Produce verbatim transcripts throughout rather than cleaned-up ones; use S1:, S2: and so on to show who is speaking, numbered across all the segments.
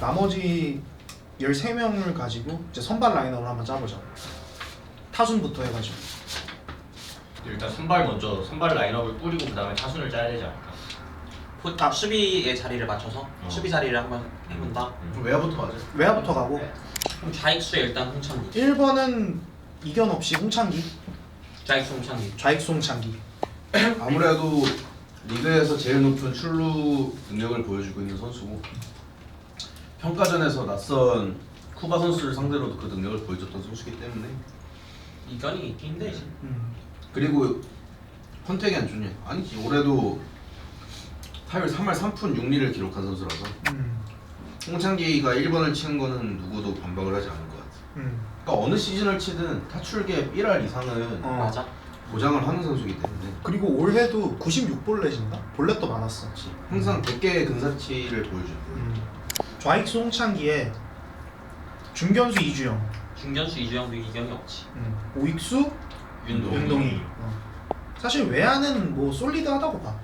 S1: 나머지 열세 명을 가지고 이제 선발 라인업을 한번 짜보자. 타순부터 해가지고.
S2: 일단 선발 먼저 선발 라인업을 뿌리고 그 다음에 타순을 짜야 되지 않을까?
S3: 보- 아, 수비의 자리를 맞춰서
S2: 어.
S3: 수비 자리를 한번 해본다.
S2: 음.
S4: 외야부터 가자.
S1: 외야부터 가고
S3: 그럼 좌익수에 일단 홍창기,
S1: 일 번은 이견 없이 홍창기,
S3: 좌익수 홍창기.
S1: 좌익수 홍창기.
S4: 아무래도 리그에서 제일 높은 출루 능력을 보여주고 있는 선수고 평가전에서 낯선 쿠바 선수를 상대로도 그 능력을 보여줬던 선수이기 때문에
S3: 이견이 있긴 힘들지.
S1: 음.
S4: 그리고 헌택이 안 좋냐? 아니지 올해도 타율 삼 할 삼 푼 육 리를 기록한 선수라서
S1: 음.
S4: 홍창기가 일 번을 치는 거는 누구도 반박을 하지 않을 것 같아.
S1: 음.
S4: 그러니까 어느 시즌을 치든 타출계 일 할 이상은
S1: 어.
S3: 맞아.
S4: 보장을 하는 선수이기 때문에
S1: 그리고 올해도 구십육 볼넷인가? 볼넷도 많았어.
S4: 항상 백 개의 근사치를 보여주고
S1: 음. 좌익수 홍창기에 중견수 이주영,
S3: 중견수 이주영도 이견이 없지.
S1: 음. 오익수
S4: 윤동.
S1: 윤동희. 어. 사실 외야는 뭐 솔리드하다고 봐.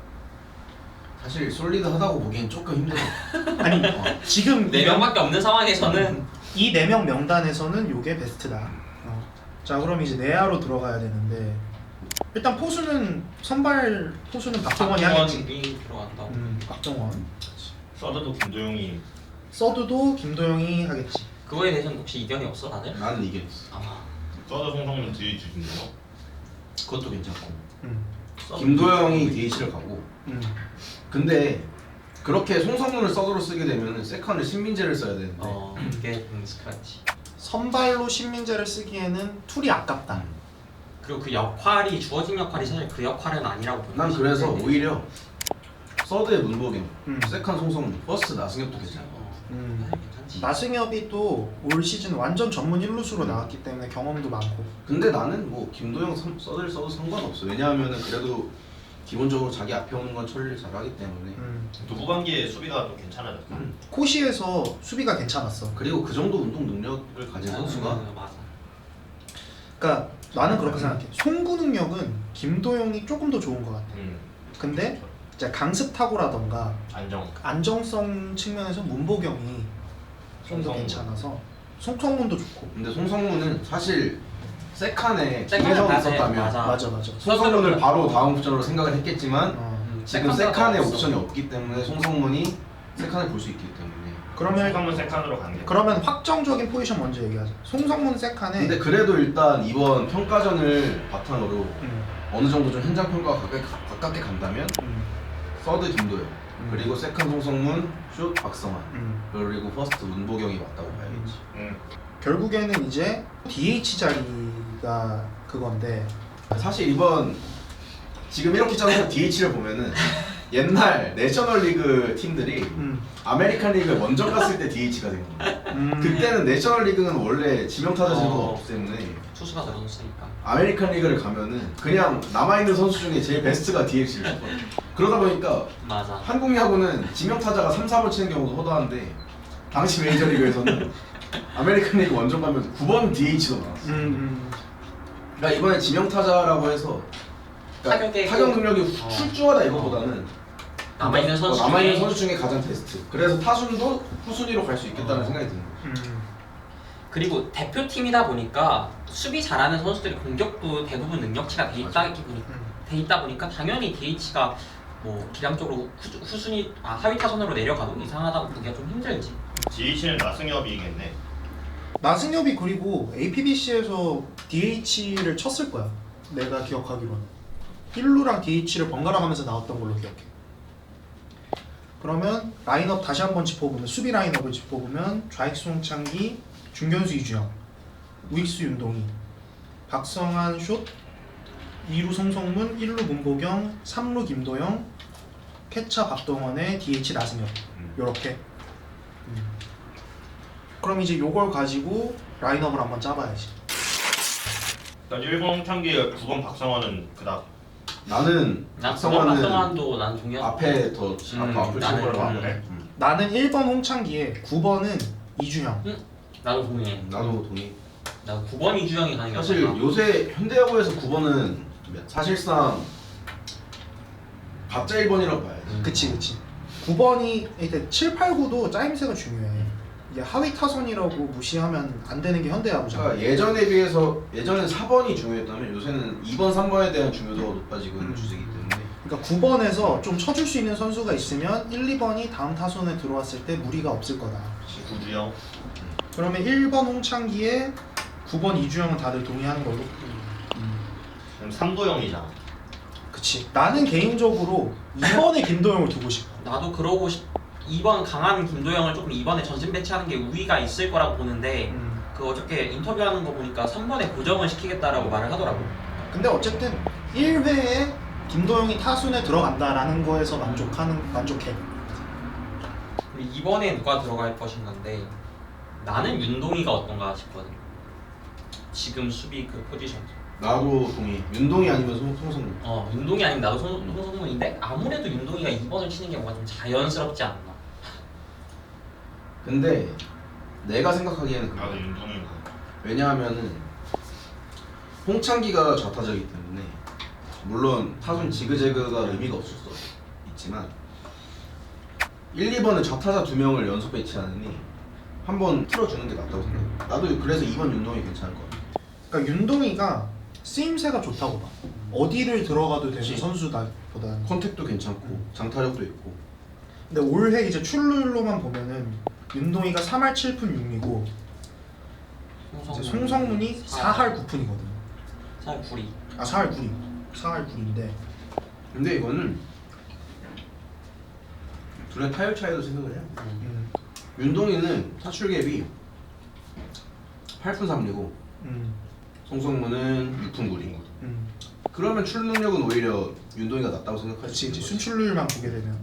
S4: 사실 솔리드하다고 보기엔 조금 힘들어.
S1: 아니 지금
S3: 네 명밖에 없는 상황에서는
S1: 이 네 명 명단에서는 요게 베스트다. 어. 자 그럼 이제 내야로 들어가야 되는데 일단 포수는 선발 포수는 박동원이 하겠지.
S3: 박동원이 들어간다고.
S1: 음, 박동원.
S2: 서드도 김도영이
S1: 서드도 김도영이 하겠지.
S3: 그거에 대해서는 혹시 이견이 없어 다들?
S4: 나는 이겼어.
S3: 아,
S2: 서드 송성문 뒤에 주는데요.
S4: 그것도 괜찮고.
S1: 음.
S4: 김도영이 디에이치를 가고.
S1: 음.
S4: 근데 그렇게 송성문을 서드로 쓰게 되면 세컨을 신민재를 써야 되는데.
S3: 어 이게 음, 스크래치.
S1: 선발로 신민재를 쓰기에는 툴이 아깝다.
S3: 그리고 그 역할이 주어진 역할이 사실 그 역할은 아니라고 보는
S4: 난
S3: 거지.
S4: 그래서
S3: 네.
S4: 오히려 서드의 문보경,
S1: 음.
S4: 세컨 송성문, 퍼스트 나승엽도 괜찮아.
S3: 어,
S1: 음.
S3: 사실 괜찮지.
S1: 나승엽이 또 올 시즌 완전 전문 일루수로 나왔기 때문에 경험도 많고.
S4: 근데 나는 뭐 김도영 선- 서드를 써도 상관없어. 왜냐하면은 그래도 기본적으로 자기 앞에 오는 건 처리를 잘하기 때문에.
S1: 음.
S2: 또 후반기에 수비가 또 괜찮아졌어.
S4: 음.
S1: 코시에서 수비가 괜찮았어.
S4: 그리고 그 정도 운동 능력을 가진 선수가
S3: 음, 맞아.
S1: 그러니까 나는 그렇게 생각해. 송구 능력은 김도영이 조금 더 좋은 것 같아.
S2: 음.
S1: 근데 이제 강습 타고라던가
S2: 안정.
S1: 안정성 측면에서 문보경이 좀 더
S2: 송성문.
S1: 괜찮아서 송성문도 좋고.
S4: 근데 송성문은 사실 세칸에
S3: 세컨을
S4: 김혜성이
S3: 가세,
S4: 있었다면
S3: 맞아.
S1: 맞아 맞아.
S4: 송성문을 바로 다음 옵션으로 생각을 했겠지만
S1: 어.
S3: 음,
S4: 지금
S3: 세컨드가
S4: 세칸에
S3: 없어.
S4: 옵션이 없기 때문에 송성문이 세칸을 볼 수 있기 때문에.
S1: 그러면
S2: 송성문 세칸으로 간 게.
S1: 그러면 확정적인 포지션 먼저 얘기하자. 송성문 세칸에.
S4: 근데 그래도 일단 이번 평가전을 바탕으로
S1: 음,
S4: 어느 정도 좀 현장 평가가 가깝게, 가깝게 간다면
S1: 음,
S4: 서드 김도영
S1: 음.
S4: 그리고 세컨 송성문, 슛 박성환
S1: 음.
S4: 그리고 퍼스트 문보경이 맞다고 봐야겠지.
S2: 음.
S1: 결국에는 이제 디에이치 자리가 그건데.
S4: 사실 이번 지금 이렇게 짜는 디에이치를 보면은 옛날 내셔널리그 팀들이
S1: 음,
S4: 아메리칸 리그에 먼저 갔을 때 디에이치가 된 거예요.
S1: 음.
S4: 그때는 내셔널리그는 원래 지명타자 제도가
S3: 어.
S4: 없기 때문에
S3: 투수가 들어섰으니까.
S4: 아메리칸 리그를 가면은 그냥 남아있는 선수 중에 제일 베스트가 디에이치를 쳤거든요. 그러다 보니까
S3: 맞아.
S4: 한국 야구는 지명타자가 삼, 사 번 치는 경우도 허다한데 당시 메이저리그에서는 아메리칸 리그 원정 가면 구 번 디에이치도 나왔어.
S1: 음, 음.
S4: 그러니까 이번에 지명타자라고 해서 그러니까
S3: 타격의
S4: 타격 능력이 후-
S3: 어.
S4: 출중하다 이거보다는
S3: 남아있는
S4: 어,
S3: 선수
S4: 남아있는
S3: 중에-
S4: 선수 중에 가장 베스트. 그래서 타순도 후순위로 갈 수 있겠다는
S3: 어.
S4: 생각이 드는 거예요.
S1: 음.
S3: 그리고 대표팀이다 보니까 수비 잘하는 선수들이 공격도 대부분 능력치가 돼 있다,
S1: 음.
S3: 돼 있다 보니까 당연히 디에이치가 뭐 기량적으로 후, 후순위 아, 하위 타선으로 내려가도 이상하다고 보기가 좀 힘들지.
S2: 디에이치는 나승엽이겠네.
S1: 나승엽이 그리고 에이피비씨에서 디에이치를 쳤을 거야. 내가 기억하기로는. 일 루랑 디에이치를 번갈아 가면서 나왔던 걸로 기억해. 그러면 라인업 다시 한번 짚어보면 수비 라인업을 짚어보면 좌익수 홍창기, 중견수 이주영, 우익수 윤동희, 박성환 슛, 이 루 송성문, 일 루 문보경, 삼 루 김도영, 캐차 박동원의 디에이치 나승엽.
S2: 음.
S1: 요렇게. 음. 그럼 이제 요걸 가지고 라인업을 한번 짜봐야지.
S2: 일단 일 번 홍창기, 구 번 박성환은 그닥.
S4: 나는
S3: 난
S4: 박성환은
S3: 박성환도 난 동의한.
S4: 앞에 더
S3: 음,
S4: 앞 앞을 칠
S3: 나는
S4: 거라고
S3: 음.
S4: 하는데 음.
S1: 나는 일 번 홍창기에 구 번은 이주영.
S3: 나도 동의해.
S4: 나도 동의.
S3: 나 구 번 이주영이 가는 게
S4: 사실
S3: 맞나?
S4: 요새 현대야구에서 구 번은 사실상 가짜 일 번이라고 봐야지.
S3: 음.
S1: 그치 그치. 구 번이 이제 칠, 팔, 구도 짜임새가 중요해. 이게 하위 타선이라고 무시하면 안 되는 게 현대야구잖아.
S4: 그러니까 예전에 비해서 예전엔 사 번이 중요했다면 요새는 이 번, 삼 번에 대한 중요도가 높아지고 있는
S1: 음.
S4: 추세이기 때문에
S1: 그러니까 구 번에서 좀 쳐줄 수 있는 선수가 있으면 일, 이 번이 다음 타선에 들어왔을 때 무리가 없을 거다.
S2: 구주영.
S1: 그러면 일 번 홍창기에 구 번 이주영은 다들 동의하는 걸로.
S2: 그럼 삼도영이잖아.
S1: 그치. 나는 개인적으로 이 번에 김도영을 두고 싶어.
S3: 나도 그러고 싶. 이 번 강한 김도영을 조금 이번에 전진 배치하는 게 우위가 있을 거라고 보는데
S1: 음.
S3: 그 어저께 인터뷰하는 거 보니까 삼 번에 고정을 시키겠다라고 말을 하더라고.
S1: 근데 어쨌든 일 회에 김도영이 타순에 들어간다라는 거에서 만족하는 만족해.
S3: 그리고 이번에 누가 들어갈 것인가인데 나는 윤동이가 어떤가 싶거든. 지금 수비 그 포지션.
S4: 나도 동의. 윤동이 아니면 송, 송성문.
S3: 어 윤동이 아니면 나도 송- 송성문인데 아무래도 윤동이가 이 번을 치는 게 뭔가 좀 자연스럽지 않나.
S4: 근데 내가 생각하기에는 그래.
S2: 나도 윤동이가.
S4: 왜냐하면은 홍창기가 좌타자이기 때문에 물론 타순 지그재그가 의미가 없을 수 있지만 일, 이 번은 좌타자 두 명을 연속 배치하느니 한 번 틀어주는 게 낫다고 생각해. 나도 그래서 이 번 윤동이 괜찮을 것 같아.
S1: 그러니까 윤동이가 쓰임새가 좋다고 봐. 어디를 들어가도 되는
S4: 그치.
S1: 선수다보다는.
S4: 컨택도 괜찮고 장타력도 있고.
S1: 근데 올해 이제 출루율로만 보면은 윤동이가 삼 할 칠 푼 육 리고 이제 송성문이 사 할 구 푼이거든.
S3: 사 할 구 리.
S1: 아 사 할 구 리. 사 할 구 리인데
S4: 근데 이거는 둘의 타율 차이도 생각을 해요.
S1: 음,
S4: 윤동이는 타출 갭이 팔 푼 삼 리고
S1: 음,
S4: 송성문은 육 푼 구 리.
S1: 음.
S4: 그러면 출루 능력은 오히려 윤동이가 낫다고 생각할
S1: 그렇지
S4: 수
S1: 이제
S4: 있는 거지.
S1: 순출루율만 보게 되면.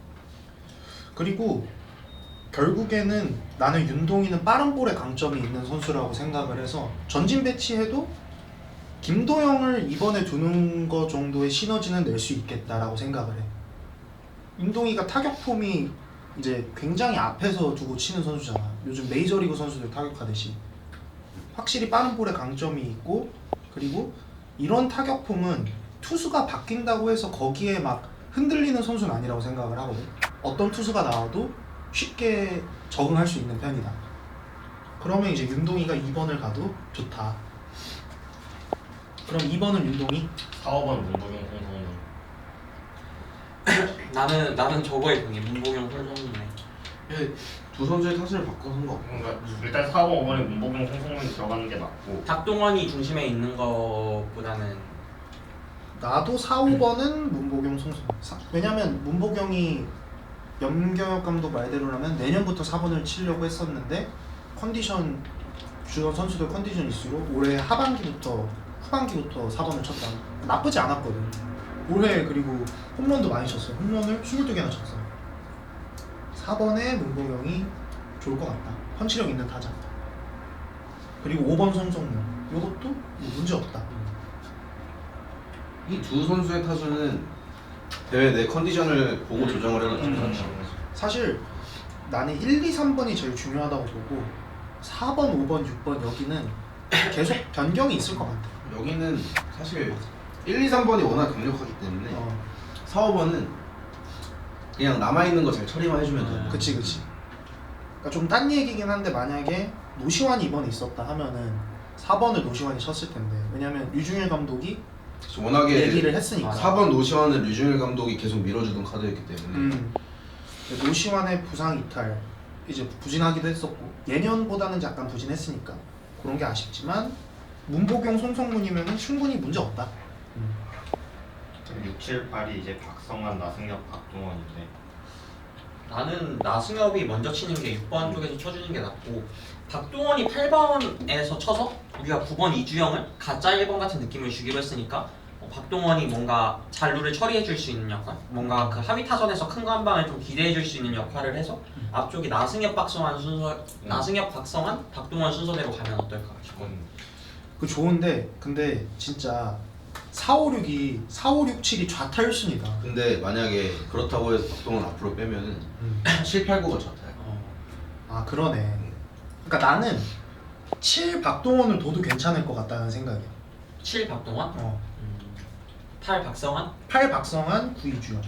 S1: 그리고 결국에는 나는 윤동이는 빠른 볼에 강점이 있는 선수라고 생각을 해서 전진 배치해도 김도영을 이번에 두는 거 정도의 시너지는 낼 수 있겠다라고 생각을 해. 윤동이가 타격 폼이 이제 굉장히 앞에서 두고 치는 선수잖아. 요즘 메이저리그 선수들 타격하듯이 확실히 빠른 볼에 강점이 있고, 그리고 이런 타격 폼은 투수가 바뀐다고 해서 거기에 막 흔들리는 선수는 아니라고 생각을 하거든. 어떤 투수가 나와도 쉽게 적응할 수 있는 편이다. 그러면 이제 윤동이가 이 번을 가도 좋다. 그럼 이 번은 윤동이?
S2: 사, 오 번 문보경 송성문.
S3: 나는 나는 저거에 동해. 문보경 송성문에.
S4: 예, 두 선수의 타순을 바꿔서 한 거.
S2: 그러니까 일단 사, 오, 오 번에 문보경 송성문이 들어가는 게 맞고.
S3: 박동원이 중심에 있는 것보다는
S1: 나도 사, 오 번은 문보경 송성. 사- 왜냐면 문보경이 염경엽 감독 말대로라면 내년부터 사 번을 치려고 했었는데 컨디션 주전 선수들 컨디션 이슈로 올해 하반기부터 후반기부터 사 번을 쳤다. 나쁘지 않았거든. 올해 그리고 홈런도 많이 쳤어. 홈런을 이십이 개나 쳤어. 사 번에 문보경이 좋을 것 같다. 펀치력 있는 타자. 그리고 오 번 송성문. 이것도 뭐 문제 없다.
S4: 이 두 선수의 타순은 대회 내 컨디션을 보고 조정을 해가지고
S2: 음.
S1: 사실 나는 일, 이, 삼 번이 제일 중요하다고 보고 사 번, 오 번, 육 번 여기는 계속 변경이 있을 것 같아.
S4: 여기는 사실 일, 이, 삼 번이 워낙 강력하기 때문에
S1: 어,
S4: 사, 오 번은 그냥 남아있는 거 잘 처리만 해주면 돼.
S1: 그치 그치. 그러니까 좀 딴 얘기긴 한데 만약에 노시환이 이번에 있었다 하면은 사 번을 노시환이 쳤을 텐데, 왜냐면 류중일 감독이
S4: 워낙에
S1: 얘기를 했으니까.
S4: 사 번 노시환을 류중일 감독이 계속 밀어주던 카드였기 때문에
S1: 음. 노시환의 부상 이탈 이제 부진하기도 했었고 예년보다는 약간 부진했으니까 그런 게 아쉽지만 문보경, 송성문이면은 충분히 문제 없다. 음.
S2: 육, 칠, 팔이 이제 박성환, 나승엽, 박동원인데.
S3: 나는 나승엽이 먼저 치는 게 육 번 쪽에서 쳐주는 게 낫고 박동원이 팔 번에서 쳐서 우리가 구 번 이주영을 가짜 일 번 같은 느낌을 주기로 했으니까 어, 박동원이 뭔가 잔루를 처리해 줄 수 있는 역할, 뭔가 그 하위 타선에서 큰 거 한 방을 좀 기대해 줄 수 있는 역할을 해서 앞쪽이 나승엽, 박성환 순서, 나승엽, 박성환, 박동원 순서대로 가면 어떨까 싶어.
S2: 음.
S1: 그 좋은데 근데 진짜 사, 오, 육이 사, 오, 육, 칠이 좌타율순이다.
S4: 근데 만약에 그렇다고 해서 박동원 앞으로 빼면은
S1: 음.
S4: 칠, 팔, 구가 좋다요.
S3: 어,
S1: 아 그러네. 그러니까 나는 칠 박동원을 둬도 괜찮을 것 같다는 생각이야.
S3: 칠 박동원,
S1: 어.
S3: 음, 팔 박성환,
S1: 팔 박성환, 구 이주영.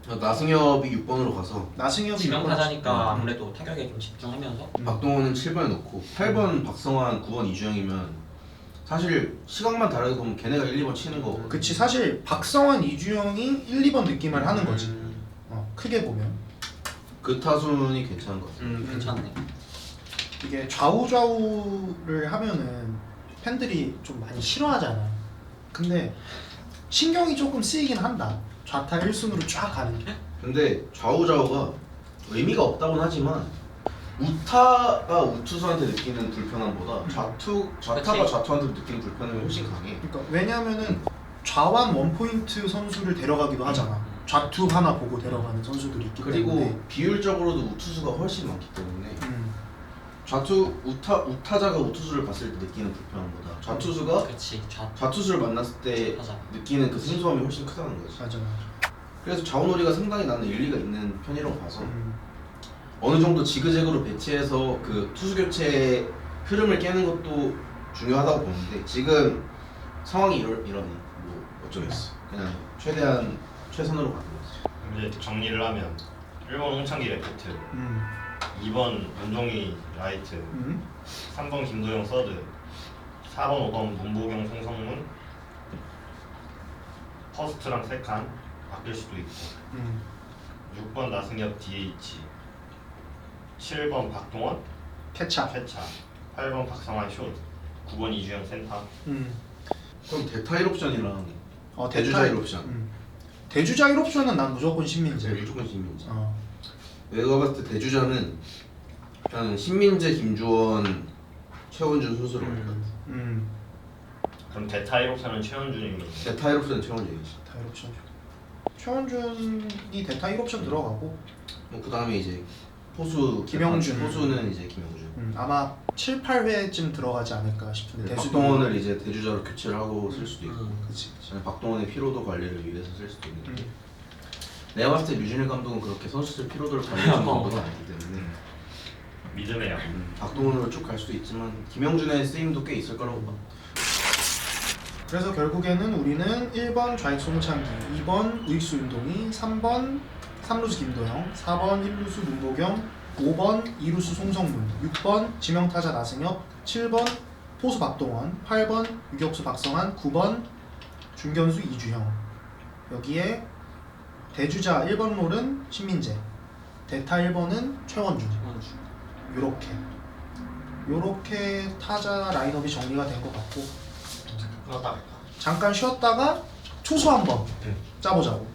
S4: 나승엽이 육 번으로 가서
S1: 나승엽이
S3: 지명
S1: 육 번.
S3: 타자니까 아무래도 타격에 좀 집중하면서
S4: 박동원은 칠 번에 놓고 팔 번 박성환, 구 번 이주영이면 사실 시각만 다르게 보면 걔네가 일, 이 번 치는 거.
S1: 그치 사실 박성환, 이주영이 일, 이 번 느낌을 하는 거지.
S3: 음,
S1: 어, 크게 보면
S4: 그 타순이 괜찮은 것 같아.
S3: 음 괜찮네.
S1: 이게 좌우 좌우를 하면은 팬들이 좀 많이 싫어하잖아. 근데 신경이 조금 쓰이긴 한다. 좌타 일 순으로 쫙 가는 게.
S4: 근데 좌우좌우가 의미가 없다고는 하지만 우타가 우투수한테 느끼는 불편함보다 좌투 좌타가
S3: 그치.
S4: 좌투한테 느끼는 불편함이 훨씬 강해.
S1: 그러니까 왜냐면은 좌완 원포인트 선수를 데려가기도 하잖아. 좌투 하나 보고 데려가는 선수들이 있기
S4: 그리고
S1: 때문에.
S4: 비율적으로도 우투수가 훨씬 많기 때문에
S1: 음,
S4: 좌투 우타 우타자가 우투수를 봤을 때 느끼는 불편함보다 좌투수가
S3: 그렇지. 좌
S4: 좌투수를 만났을 때
S3: 타자.
S4: 느끼는 그 생소함이 훨씬 크다는 거지.
S1: 맞아 맞아.
S4: 그래서 좌우놀이가 상당히 나는 일리가 있는 편이라고 봐서
S1: 음,
S4: 어느 정도 지그재그로 배치해서 그 투수 교체의 흐름을 깨는 것도 중요하다고 보는데 지금 상황이 이러, 이러니 뭐 어쩌겠어. 그냥 최대한 최선으로 가는 거지.
S2: 이제 정리를 하면 일 번 홍창기 레프트,
S1: 음,
S2: 이 번 윤종이 라이트,
S1: 음,
S2: 삼 번 김도영 서드, 사 번 오 번 문보경 송성문, 퍼스트랑 세칸 바뀔 수도 있고,
S1: 음.
S2: 육 번 나승엽 디에이치, 칠 번 박동원
S1: 캐차.
S2: 캐차, 팔 번 박성환 숏, 구 번 이주영 센터.
S1: 음.
S4: 그럼 대타 일 옵션이랑
S1: 어,
S4: 대주자
S1: 대타-
S4: 일 옵션.
S1: 음. 대주자 일 옵션은 난 무조건 신민재.
S4: 이제 무조건 신민재.
S1: 어.
S4: 내가 봤을 때 대주자는 일단 신민재, 김주원, 최원준 순서로 갈 것 같아.
S1: 음.
S2: 그럼 대타 일 옵션은 최원준이.
S4: 대타 일 옵션은 최원준이지.
S1: 대타 일 옵션. 최원준이 대타 일 옵션 들어가고
S4: 뭐 그다음에 이제 포수
S1: 김영준.
S4: 포수는 이제 김영준.
S1: 음, 아마 칠, 팔 회쯤 들어가지 않을까 싶은데 대수도-
S4: 박동원을 이제 대주자로 교체를 하고 쓸 수도 있고.
S3: 음.
S1: 그치.
S4: 저는 박동원의 피로도 관리를 위해서 쓸 수도 있는데
S1: 음.
S4: 내가 봤을 때 류진일 감독은 그렇게 선수들 피로도를 관리해주는 감독은 아니기 때문에
S2: 믿음해요.
S4: 음, 박동원으로 쭉 갈 수도 있지만 김영준의 쓰임도 꽤 있을 거라고 봐.
S1: 그래서 결국에는 우리는 일 번 좌익수 홍창기, 이 번 우익수 윤동희, 삼 번 삼루수 김도영, 사 번 일 루수 문보경, 오 번 이 루수 송성문, 육 번 지명타자 나승엽, 칠 번 포수 박동원, 팔 번 유격수 박성환, 구 번 중견수 이주형. 여기에 대주자 일 번 롤은 신민재, 대타 일 번은 최원준. 요렇게 요렇게 타자 라인업이 정리가 된 것 같고
S2: 그러다
S1: 잠깐 쉬었다가 투수 한번
S2: 네.
S1: 짜보자고.